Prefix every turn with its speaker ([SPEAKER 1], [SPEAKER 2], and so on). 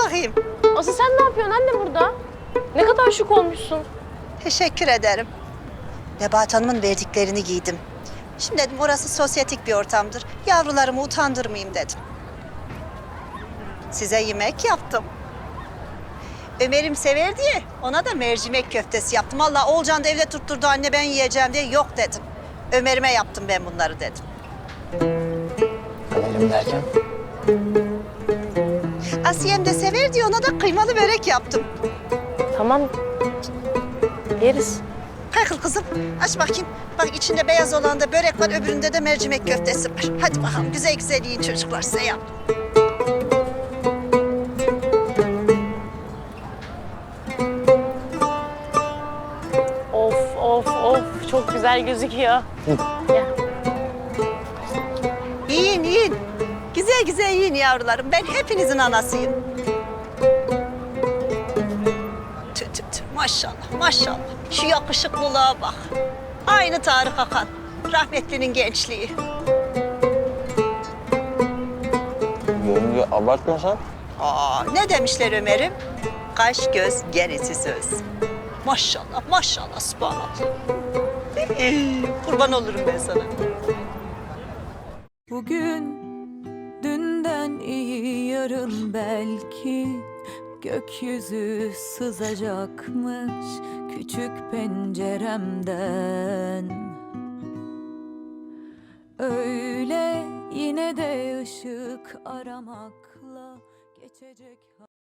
[SPEAKER 1] bakayım.
[SPEAKER 2] Asıl sen ne yapıyorsun anne burada? Ne kadar şık olmuşsun.
[SPEAKER 1] Teşekkür ederim. Nebahat Hanım'ın verdiklerini giydim. Şimdi dedim orası sosyetik bir ortamdır. Yavrularımı utandırmayayım dedim. Size yemek yaptım. Ömer'im sever diye ona da mercimek köftesi yaptım. Allah Oğulcan da evde tutturdu anne ben yiyeceğim diye yok dedim. Ömer'ime yaptım ben bunları dedim.
[SPEAKER 3] Ömerim derken?
[SPEAKER 1] Asiye'm de sever diye ona da kıymalı börek yaptım.
[SPEAKER 2] Tamam. Yeriz.
[SPEAKER 1] Kalk kızım aç bakayım. Bak içinde beyaz olan da börek var öbüründe de mercimek köftesi var. Hadi bakalım güzel güzel yiyin çocuklar size yaptım.
[SPEAKER 2] Of of of çok güzel gözüküyor. Gel.
[SPEAKER 1] Yiyin yiyin. Güzel güzel yiyin yavrularım. Ben hepinizin anasıyım. Tüh tüh tüh maşallah maşallah. Şu yakışıklılığa bak. Aynı Tarık Akan. Rahmetlinin gençliği.
[SPEAKER 3] Yenge abartmasan.
[SPEAKER 1] Aa, ne demişler Ömer'im? Kaş göz gerisi söz. Maşallah maşallah subhanallah. Kurban olurum ben sana.
[SPEAKER 4] Bugün dünden iyi yarın belki gökyüzü sızacakmış küçük penceremden. Öyle yine de ışık aramakla geçecek.